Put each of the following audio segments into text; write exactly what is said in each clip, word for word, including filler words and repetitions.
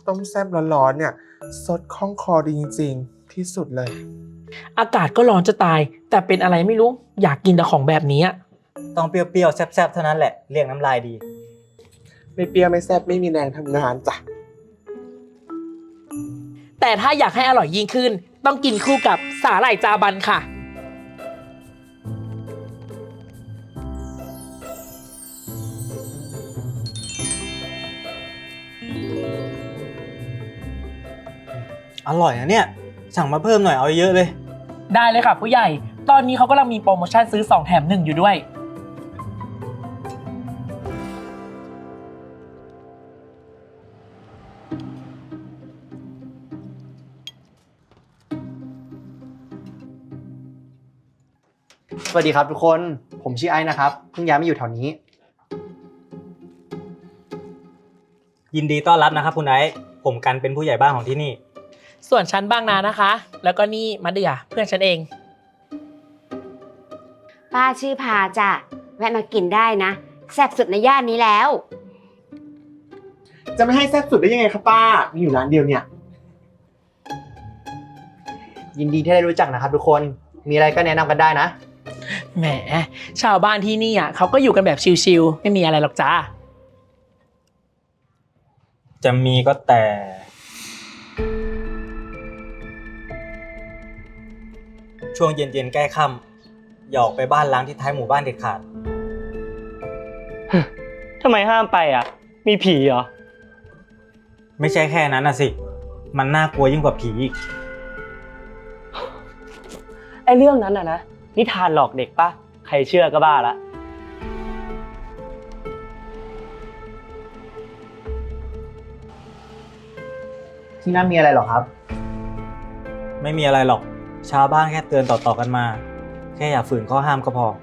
ต้มแซ่บร้อนๆเนี่ยสดคล่องคอดีจริงๆที่สุดเลยอากาศก็ร้อนจะตายแต่เป็นอะไรไม่รู้อยากกินแต่ของแบบนี้ต้องเปรี้ยวๆแซ่บๆเท่านั้นแหละเรียกน้ำลายดีไม่เปรี้ยวไม่แซ่บไม่มีแรงทำงานจ้ะแต่ถ้าอยากให้อร่อยยิ่งขึ้นต้องกินคู่กับสาหร่ายจาบันค่ะอร่อยนะเนี่ยสั่งมาเพิ่มหน่อยเอาเยอะเลยได้เลยค่ะผู้ใหญ่ตอนนี้เขากำลังมีโปรโมชั่นซื้อสองแถมหนึ่งอยู่ด้วยสวัสดีครับทุกคนผมชื่อไอ้นะครับเพิ่งย้ายมาอยู่แถวนี้ยินดีต้อนรับนะครับคุณไอซ์ผมกันเป็นผู้ใหญ่บ้านของที่นี่ส่วนฉันบางนานะคะแล้วก็นี่มะเดื่อเพื่อนฉันเองป้าชื่อพาจ้ะแวะมากินได้นะแซ่บสุดในย่านนี้แล้วจะไม่ให้แซ่บสุดได้ยังไงครับป้ามีอยู่ร้านเดียวเนี่ยยินดีที่ได้รู้จักนะครับทุกคนมีอะไรก็แนะนำกันได้นะแหมชาวบ้านที่นี่อ่ะเขาก็อยู่กันแบบชิลๆไม่มีอะไรหรอกจ้าจะมีก็แต่ช่วงเย็นๆใกล้ค่ำอย่าออกไปบ้านล้างที่ท้ายหมู่บ้านเด็ดขาดทำไมห้ามไปอ่ะมีผีเหรอไม่ใช่แค่นั้นนะสิมันน่ากลัวยิ่งกว่าผีอีกไอ้เรื่องนั้นอ่ะนะนิทานหลอกเด็กปะใครเชื่อก็บ้าละที่นั่นมีอะไรหรอครับไม่มีอะไรหรอกชาวบ้านแค่เตือนต่อๆกันมาแค่อย่าฝืนข้อห้ามก็พอ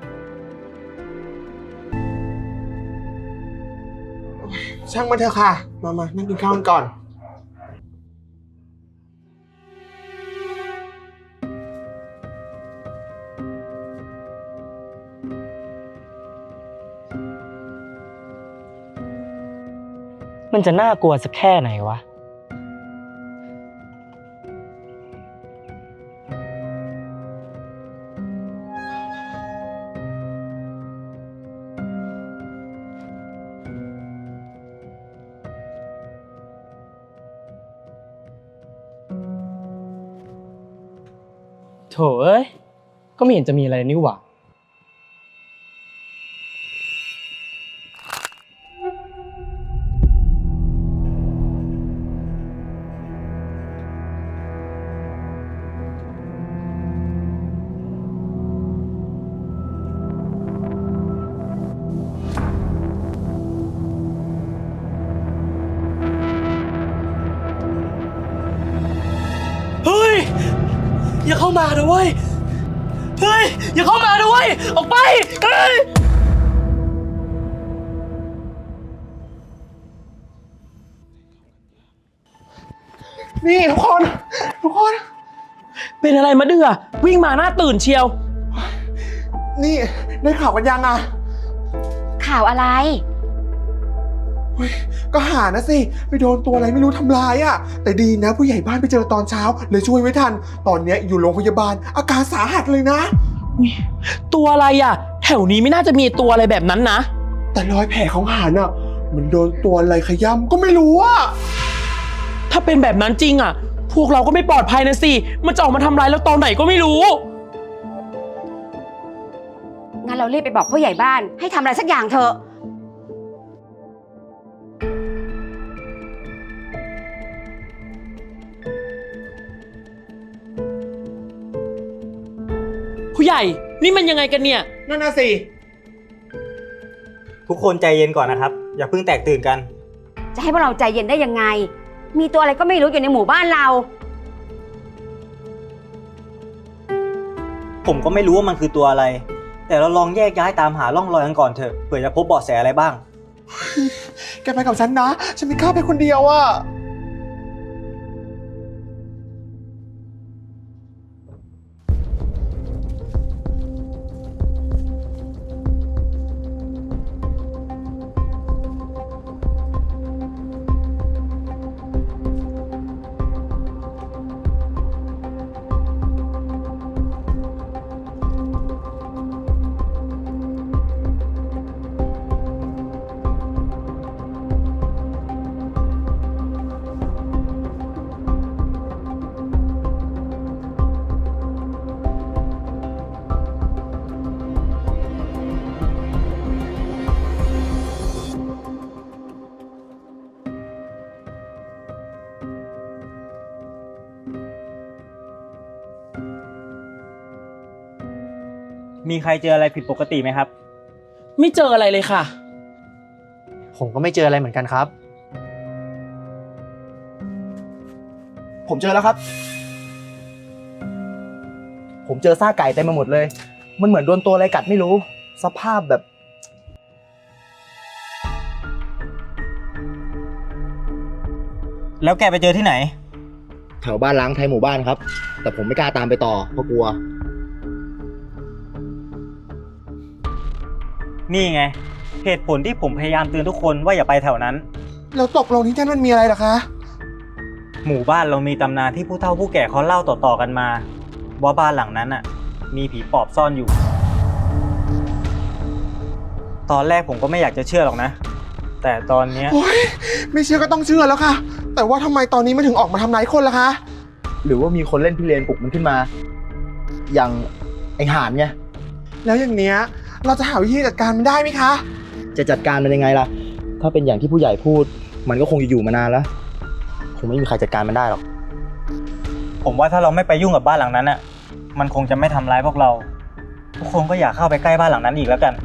ช่างมันเถอะค่ะมามานั่งกินข้าวกันก่อนมันจะน่ากลัวสักแค่ไหนวะโถเอ้ยก็ไม่เห็นจะมีอะไรนี่หว่าเฮ้ยอย่าเข้ามานะเว้ยเฮ้ยอย่าเข้ามานะเว้ยออกไปเฮ้ยนี่ทุกคนทุกคนเป็นอะไรมะเดื่อวิ่งมาหน้าตื่นเชียวนี่ได้ข่าวกันยังอ่ะข่าวอะไรเฮ้ยก็หานะสิไปโดนตัวอะไรไม่รู้ทำร้ายอ่ะแต่ดีนะผู้ใหญ่บ้านไปเจอตอนเช้าเลยช่วยไว้ทันตอนเนี้ยอยู่โรงพยาบาลอาการสาหัสเลยนะตัวอะไรอ่ะแถวนี้ไม่น่าจะมีตัวอะไรแบบนั้นนะแต่รอยแผลของหานอ่ะเหมือนโดนตัวอะไรขย้ำก็ไม่รู้อ่ะถ้าเป็นแบบนั้นจริงอ่ะพวกเราก็ไม่ปลอดภัยนะสิมันจะออกมาทำร้ายเราตอนไหนก็ไม่รู้งั้นเรารีบไปบอกผู้ใหญ่บ้านให้ทำอะไรสักอย่างเถอะผู้ใหญ่นี่มันยังไงกันเนี่ยนั่นน่ะสิทุกคนใจเย็นก่อนนะครับอย่าเพิ่งแตกตื่นกันจะให้พวกเราใจเย็นได้ยังไงมีตัวอะไรก็ไม่รู้อยู่ในหมู่บ้านเราผมก็ไม่รู้ว่ามันคือตัวอะไรแต่เราลองแยกย้ายตามหาร่องรอยกันก่อนเถอะเผื่อจะพบเบาะแสอะไรบ้างแกไปกับฉันนะฉันไม่กล้าไปคนเดียวอ่ะพมีใครเจออะไรผิดปกติไหมครับไม่เจออะไรเลยค่ะผมก็ไม่เจออะไรเหมือนกันครับผมเจอแล้วครับ ผมเจอซากไก่เต็มไปหมดเลย มันเหมือนโดนตัวอะไรกัดไม่รู้ สภาพแบบแล้วแกไปเจอที่ไหนแถวบ้านล้างไทยหมู่บ้านครับ แต่ผมไม่กล้าตามไปต่อเพราะกลัวนี่ไง เหตุผลที่ผมพยายามเตือนทุกคนว่าอย่าไปแถวนั้นแล้วตกลงที่นั่นมันมีอะไรเหรอคะหมู่บ้านเรามีตำนานที่ผู้เฒ่าผู้แก่เขาเล่าต่อๆกันมา ว่าบ้านหลังนั้นน่ะ มีผีปอบซ่อนอยู่ ตอนแรกผมก็ไม่อยากจะเชื่อหรอกนะ แต่ตอนเนี้ยโอ้ยไม่เชื่อก็ต้องเชื่อแล้วค่ะ แต่ว่าทำไมตอนนี้มันถึงออกมาทำร้ายคนล่ะคะหรือว่ามีคนเล่นพิเรนปลุกมันขึ้นมา อย่างไอห่านไงแล้วอย่างเนี้ยเราจะหาวิธีจัดการมันได้ไหมคะจะจัดการมันยังไงล่ะ ถ้าเป็นอย่างที่ผู้ใหญ่พูด มันก็คงอยู่มานานแล้ว คงไม่มีใครจัดการมันได้หรอกผมว่าถ้าเราไม่ไปยุ่งกับบ้านหลังนั้นน่ะ มันคงจะไม่ทำร้ายพวกเรา ทุกคนก็อยากเข้าไปใกล้บ้านหลังนั้นอีกแล้วกัน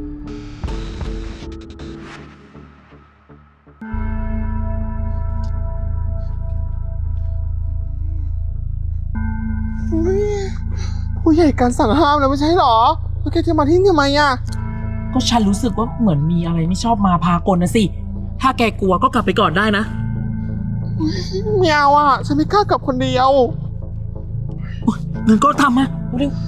ผู้ใหญ่การสั่งห้ามแล้วไม่ใช่หรอ แล้วแกจะมาที่นี่ทำไมอ่ะก็ฉันรู้สึกว่าเหมือนมีอะไรไม่ชอบมาพากลนะสิ ถ้าแกกลัวก็กลับไปก่อนได้นะไม่เอาอ่ะ ฉันไม่กล้ากลับคนเดียวงั้นก็ทำมาเร็ว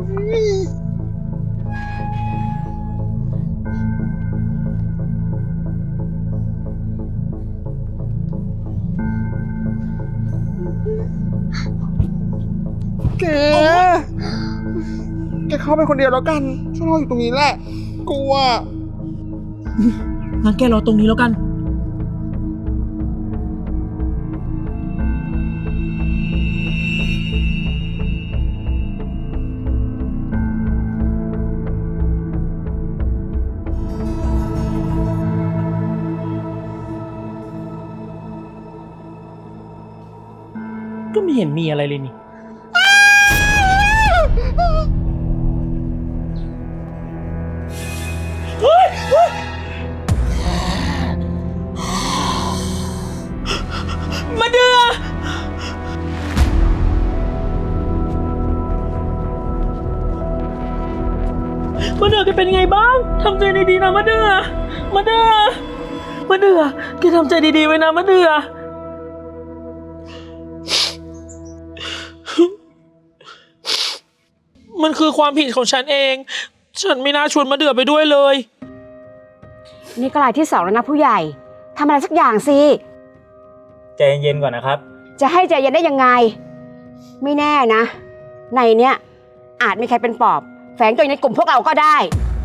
แก แกเข้าไปคนเดียวแล้วกัน ฉันรออยู่ตรงนี้แหละ กลัวงั้นแกรอตรงนี้แล้วกัน ก็ไม่เห็นมีอะไรเลยนี่ มาเดือมาเดือแกเป็นไงบ้าง ทำใจดีๆนะมาเดือมาเดือมาเดือแกทำใจดีๆไว้นะมาเดือมันคือความผิดของฉันเอง ฉันไม่น่าชวนมาเดือไปด้วยเลยนี่ก็รายที่สองแล้วนะผู้ใหญ่ทำอะไรสักอย่างสิใจเย็นๆก่อนนะครับจะให้ใจเย็นได้ยังไง ไม่แน่นะ ในเนี้ยอาจมีใครเป็นปอบ แฝงตัวอยู่ในกลุ่มพวกเราก็ได้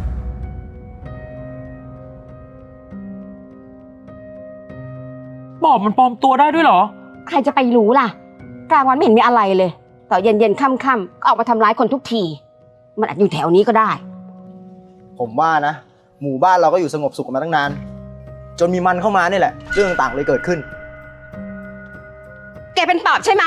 ปอบมันปลอมตัวได้ด้วยเหรอใครจะไปรู้ล่ะ กลางวันไม่เห็นมีอะไรเลยต่อเย็นเย็นๆค่ำๆก็ออกมาทำร้ายคนทุกที มันอาจอยู่แถวนี้ก็ได้ผมว่านะ หมู่บ้านเราก็อยู่สงบสุขกันมาตั้งนาน จนมีมันเข้ามานี่แหละ เรื่องต่างๆเลยเกิดขึ้นแกเป็นปอบใช่ไหม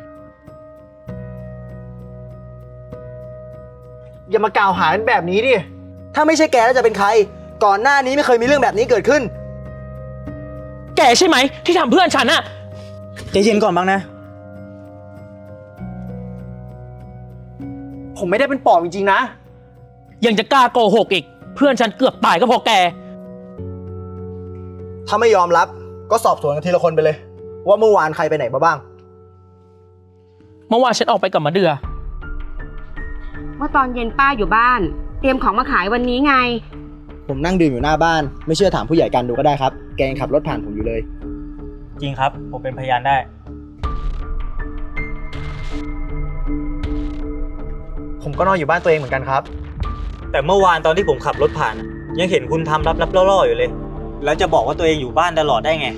อย่ามากล่าวหากันแบบนี้ดิ ถ้าไม่ใช่แกแล้วจะเป็นใคร ก่อนหน้านี้ไม่เคยมีเรื่องแบบนี้เกิดขึ้นแกใช่ไหมที่ทำเพื่อนฉันอะใจเย็นก่อนบ้างนะผมไม่ได้เป็นปอบจริงๆนะยังจะกล้าโกหกอีก เพื่อนฉันเกือบตายก็เพราะแกถ้าไม่ยอมรับก็สอบสวนกันทีละคนไปเลย ว่าเมื่อวานใครไปไหนมาบ้างเมื่อวานฉันออกไปกับมะเดือเมื่อตอนเย็นป้าอยู่บ้าน เตรียมของมาขายวันนี้ไงผมนั่งดื่มอยู่หน้าบ้าน ไม่เชื่อถามผู้ใหญ่กันดูก็ได้ครับ แกยังขับรถผ่านผมอยู่เลยจริงครับ ผมเป็นพยานได้ผมก็นอนอยู่บ้านตัวเองเหมือนกันครับแต่เมื่อวานตอนที่ผมขับรถผ่าน ยังเห็นคุณทำลับๆล่อๆอยู่เลย แล้วจะบอกว่าตัวเองอยู่บ้านตลอดได้ไง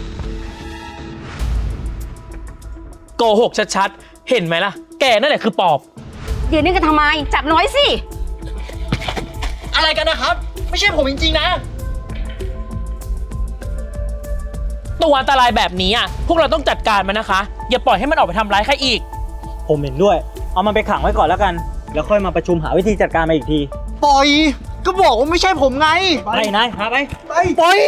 โกหกชัดๆ เห็นไหมล่ะ แกนั่นแหละคือปอบเดี๋ยวนี้กันทำไม จับน้อยสิอะไรกันนะครับ ไม่ใช่ผมจริงๆนะตัวอันตรายแบบนี้อ่ะ พวกเราต้องจัดการมันนะคะ อย่าปล่อยให้มันออกไปทำร้ายใครอีกผมเห็นด้วย เอามันไปขังไว้ก่อนแล้วกันแล้วค่อยมาประชุมหาวิธีจัดการมาอีกทีปล่อย ก็บอกว่าไม่ใช่ผมไงไปนายหาไปไปปล่อย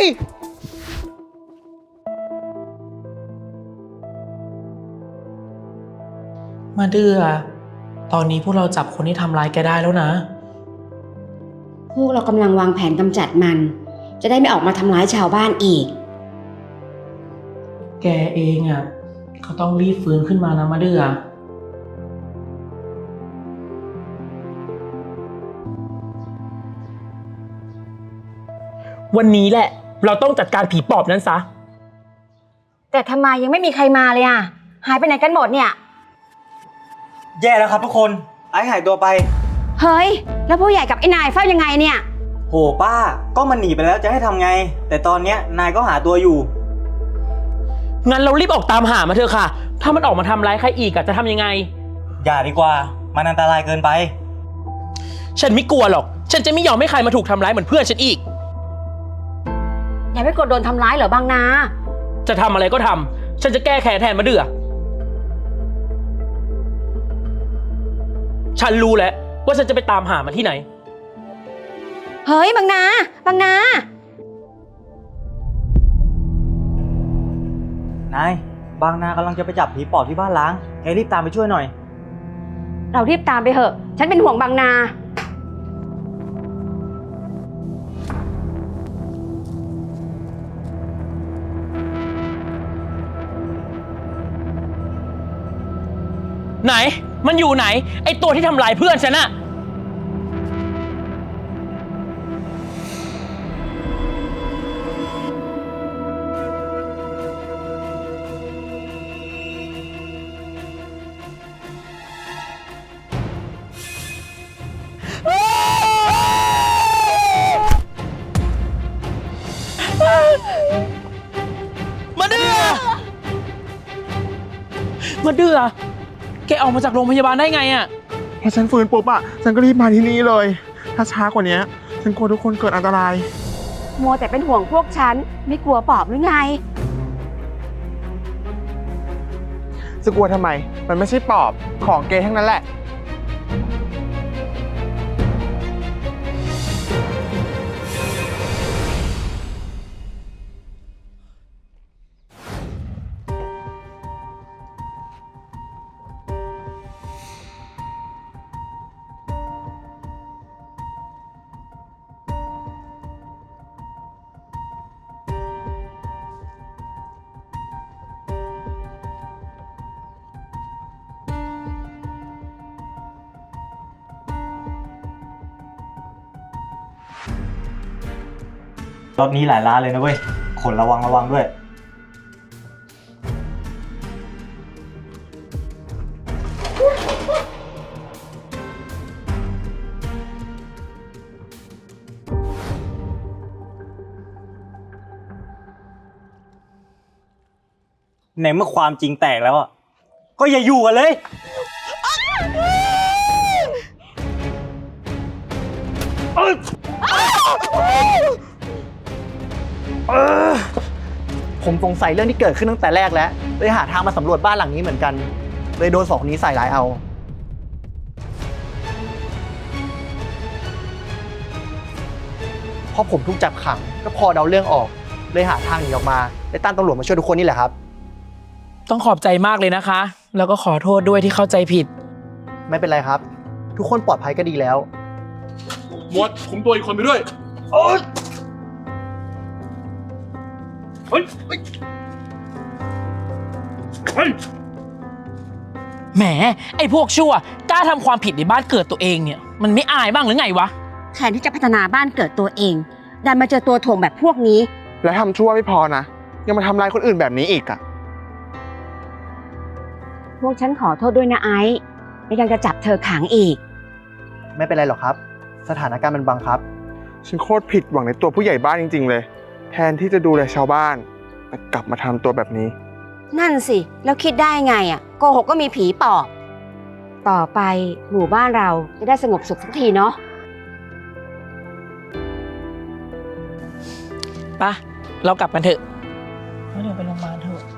มาเดือตอนนี้พวกเราจับคนที่ทำร้ายแกได้แล้วนะพวกเรากำลังวางแผนกำจัดมัน จะได้ไม่ออกมาทำร้ายชาวบ้านอีกแกเองอ่ะก็ต้องรีบฟื้นขึ้นมานะมาเดือวันนี้แหละ เราต้องจัดการผีปอบนั้นซะแต่ทำไมยังไม่มีใครมาเลยอ่ะ หายไปไหนกันหมดเนี่ยแย่แล้วครับทุกคน ไอ้หายตัวไปเฮ้ย แล้วผู้ใหญ่กับไอ้นายเฝ้ายังไงเนี่ยโหป้า ก็มันหนีไปแล้วจะให้ทำไง แต่ตอนเนี้ยนายก็หาตัวอยู่งั้นเรารีบออกตามหามาเถอะค่ะ ถ้ามันออกมาทำร้ายใครอีกอะจะทำยังไงอย่าดีกว่า มันอันตรายเกินไปฉันไม่กลัวหรอก ฉันจะไม่ยอมให้ใครมาถูกทำร้ายเหมือนเพื่อนฉันอีกอย่าไม่กดโดนทำร้ายเหรอบางนาจะทำอะไรก็ทำ ฉันจะแก้แค้นแทนมาเดือฉันรู้แล้วว่าฉันจะไปตามหามันที่ไหนเฮ้ยบางนา บางนานาย บางนากำลังจะไปจับผีปอบที่บ้านล้าง แกรีบตามไปช่วยหน่อยเรารีบตามไปเถอะ ฉันเป็นห่วงบางนาไหน มันอยู่ไหน ไอตัวที่ทำลายเพื่อนฉันอะมาเดือมาเดือแกออกมาจากโรงพยาบาลได้ไงอะพอฉันฟื้นปุ๊บอะฉันก็รีบมาที่นี่เลย ถ้าช้ากว่านี้ฉันกลัวทุกคนเกิดอันตรายมัวแต่เป็นห่วงพวกฉัน ไม่กลัวปอบหรือไงจะกลัวทำไม มันไม่ใช่ปอบ ของเกย์ทั้งนั้นแหละรถนี้หลายล้านเลยนะเว้ย ขนระวังระวังด้วย ในเมื่อความจริงแตกแล้วอ่ะ ก็อย่าอยู่กันเลยผมสงสัยเรื่องที่เกิดขึ้นตั้งแต่แรกแล้ว เลยหาทางมาสำรวจบ้านหลังนี้เหมือนกัน เลยโดนสองคนนี้ใส่ร้ายเอา พอผมถูกจับขังก็พอเดาเรื่องออก เลยหาทางหนีออกมาได้ตั้งตำรวจมาช่วยทุกคนนี่แหละครับต้องขอบใจมากเลยนะคะ แล้วก็ขอโทษด้วยที่เข้าใจผิดไม่เป็นไรครับ ทุกคนปลอดภัยก็ดีแล้วหมวดคุมตัวอีกคนไปด้วย เฮ้ย เฮ้ย เฮ้ยแหม ไอ้พวกชั่วกล้าทำความผิดในบ้านเกิดตัวเองเนี่ย มันไม่อายบ้างหรือไงวะแทนที่จะพัฒนาบ้านเกิดตัวเอง ดันมาเจอตัวถ่วงแบบพวกนี้และทำชั่วไม่พอนะ ยังมาทำร้ายคนอื่นแบบนี้อีกอะพวกฉันขอโทษด้วยนะไอซ์และยังจะจับเธอขังอีกไม่เป็นไรหรอกครับ สถานการณ์มันบังคับฉันโคตรผิดหวังในตัวผู้ใหญ่บ้านจริงๆเลย แทนที่จะดูแลชาวบ้านแต่กลับมาทำตัวแบบนี้นั่นสิ แล้วคิดได้ไงอ่ะโกหกก็มีผีปอบ ต่อไปหมู่บ้านเราจะได้สงบสุขสักทีเนาะปะเรากลับกันเถอะเดี๋ยวไปโรงพยาบาลเถอะ